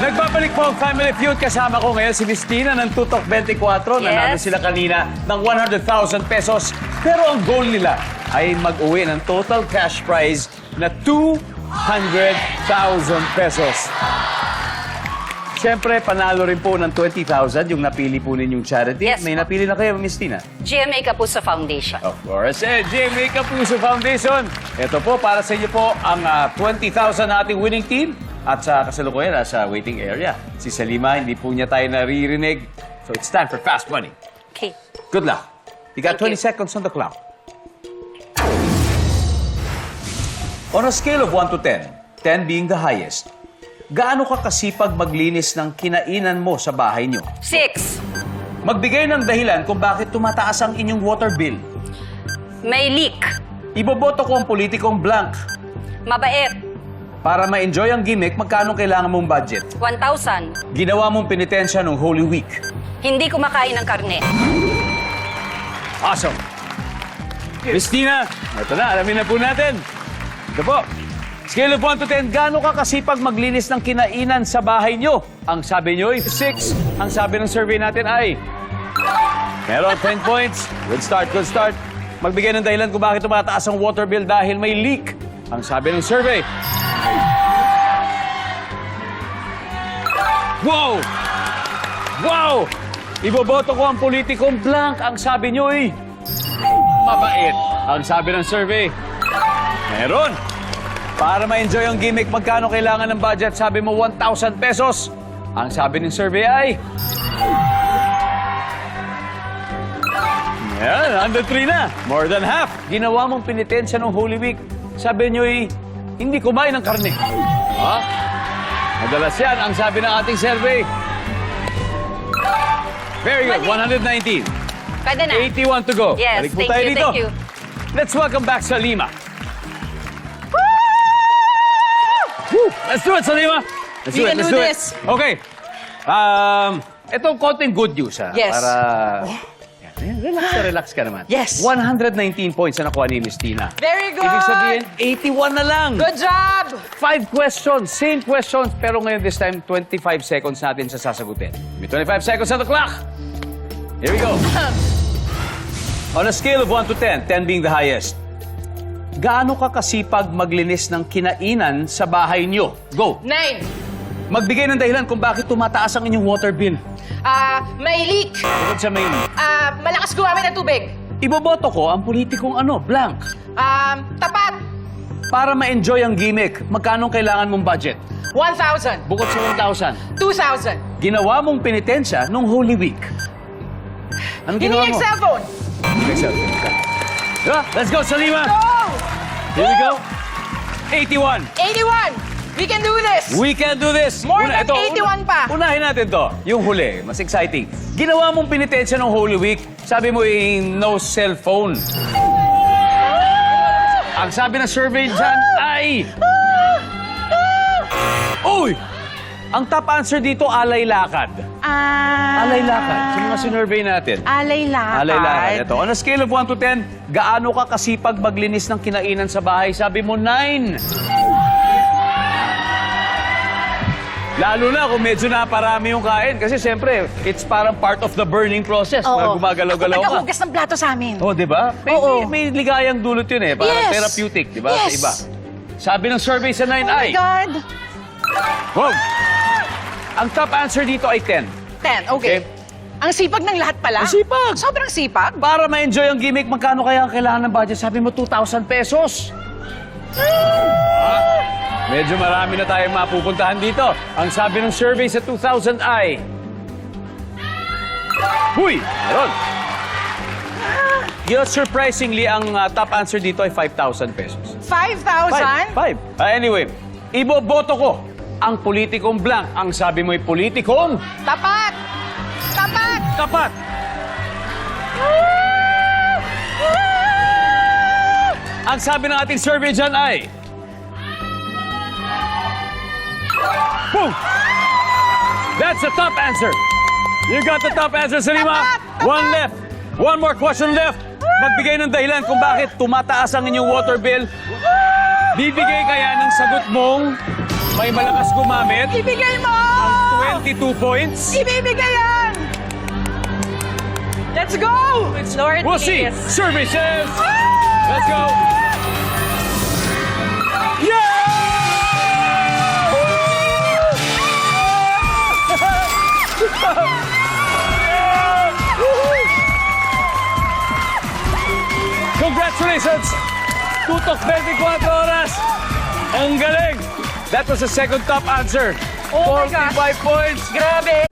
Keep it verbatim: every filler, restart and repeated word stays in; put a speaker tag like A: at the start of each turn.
A: Nagbabalik po ang Family Feud. Kasama ko ngayon si Miss Tina ng Tutok twenty-four.
B: Yes.
A: Nanalo sila kanina ng one hundred thousand pesos. Pero ang goal nila ay mag-uwi ng total cash prize na two hundred thousand pesos. Siyempre, panalo rin po ng twenty thousand yung napili po ninyong charity.
B: Yes,
A: May
B: po.
A: napili na kayo, Miss Tina?
B: G M A Kapuso Foundation.
A: Of course, eh, J M A Kapuso Foundation. Ito po, para sa inyo po ang uh, twenty thousand na ating winning team. At sa kasalukuyan, nasa waiting area. Si Salima, hindi po niya tayo naririnig. So it's time for fast money.
B: Okay.
A: Good luck. You got
B: Thank
A: twenty
B: you.
A: seconds on the clock. On a scale of one to ten, ten being the highest, gaano ka kasipag maglinis ng kinainan mo sa bahay niyo?
B: Six.
A: Magbigay ng dahilan kung bakit tumataas ang inyong water bill.
B: May leak.
A: Iboboto ko ang politikong blank.
B: Mabait.
A: Para ma-enjoy ang gimmick, magkano kailangan mong budget?
B: one thousand.
A: Ginawa mong penitensya nung Holy Week.
B: Hindi kumakain ng karne.
A: Awesome! Miss Tina, ito na, alamin na po natin. Ito po. Scale of one to ten, gaano ka kasipag maglinis ng kinainan sa bahay nyo? Ang sabi nyo ay six. Ang sabi ng survey natin ay... Meron ten points. Good start, good start. Magbigay ng dahilan kung bakit tumataas ang water bill dahil may leak. Ang sabi ng survey... Wow! Wow! Iboboto ko ang politikong blank. Ang sabi nyo ay... Mabait. Ang sabi ng survey... Meron. Para ma-enjoy ang gimmick, magkano kailangan ng budget? Sabi mo, one thousand pesos. Ang sabi ng survey ay... Yan, one hundred three na. More than half. Ginawa mong penitensya ng Holy Week. Sabi nyo ay, hindi kumain ng karne. Ha? Madalas yan, ang sabi ng ating survey. Very good,
B: Mali.
A: one hundred nineteen.
B: Pwede na.
A: eighty-one to go.
B: Yes,
A: Balik po
B: thank
A: tayo
B: you,
A: dito.
B: thank you.
A: Let's welcome back Salima. Woo! Let's do it, Salima. Let's
C: We
A: do it,
C: can
A: let's
C: do
A: do
C: this.
A: it. Okay. Um, itong konting good news, ha?
C: Yes.
A: Para... Yan, relax na relax ka naman.
C: Yes.
A: one hundred nineteen points na nakuha ni Miss Tina.
C: Very good!
A: Ibig sabihin, eighty-one na lang.
C: Good job!
A: Five questions, same questions, pero ngayon this time, twenty-five seconds natin sa sasagutin. May twenty-five seconds on the clock. Here we go. On a scale of one to ten, ten being the highest, gaano ka kasipag maglinis ng kinainan sa bahay niyo? Go.
C: Nine.
A: Magbigay ng dahilan kung bakit tumataas ang inyong water bill.
C: Ah, may leak.
A: Bukod sa main,
C: Ah, malakas gumamit ng tubig.
A: iboboto ko ang politikong ano, blank.
C: Um, tapat.
A: Para ma-enjoy ang gimmick, magkano kailangan mong budget?
C: one thousand.
A: Bukod sa one thousand,
C: two thousand.
A: ginawa mong penitensya nung Holy Week. Anong
C: Hindi
A: ginawa
C: yung
A: mo?
C: cellphone.
A: Hindi cellphone. Diba? Let's go, Salima!
C: Go!
A: Here we go. eighty-one.
C: eighty-one. We can do this.
A: We can do this.
C: More than eighty-one pa.
A: Unahin natin to. Yung huli, mas exciting. Ginawa mong penitensya ng Holy Week. Sabi mo yung no cellphone. Ang sabi ng survey dyan ay... Uy! Ang top answer dito, alay lakad.
C: Ah.
A: Alay lakad. Sino mga sinurvey natin?
C: Alay lakad.
A: Alay lakad. Ito. On a scale of one to ten, gaano ka kasipag maglinis ng kinainan sa bahay? Sabi mo, nine. Lalo na kung medyo naparami yung kain. Kasi siyempre, it's parang part of the burning process. Pag gumagalaw-galaw ka.
C: Nagkahugas ng plato sa amin.
A: Oh, di ba? May,
C: Oo.
A: may, may ligayang dulot yun eh. Parang
C: Yes.
A: therapeutic, di ba? Sa
C: Yes.
A: iba. Sabi ng survey sa nine
C: Oh my
A: ay...
C: God.
A: Wow! Ang top answer dito ay ten.
C: Ten, okay.
A: Okay.
C: Ang sipag ng lahat pala.
A: Ang sipag.
C: Sobrang sipag.
A: Para ma-enjoy ang gimmick, magkano kaya ang kailangan ng budget? Sabi mo, two thousand pesos. Ah, medyo marami na tayong mapupuntahan dito. Ang sabi ng survey sa two thousand ay... Huy! Meron. You know, surprisingly, ang uh, top answer dito ay five thousand pesos.
C: five thousand?
A: Five. Uh, anyway, iboboto ko ang politikong blank. Ang sabi mo ay politikong
C: Tapat. Tapat.
A: tapat. Ang sabi ng ating survey dyan ay... Boom! That's the top answer. You got the top answer, Salima.
C: Tapat!
A: One left. One more question left. Magbigay ng dahilan kung bakit tumataas ang inyong water bill. Bibigay kaya ng sagot mong may malakas gumamit.
C: Ibigay mo!
A: twenty-two points.
C: Ibibigay yan! Let's go!
B: Lord,
A: We'll see.
B: please.
A: Services. Let's go. Congratulations! Tutok twenty-four oras. Ang galing. That was the second top answer.
C: Oh my gosh.
A: forty-five points.
C: Grabe!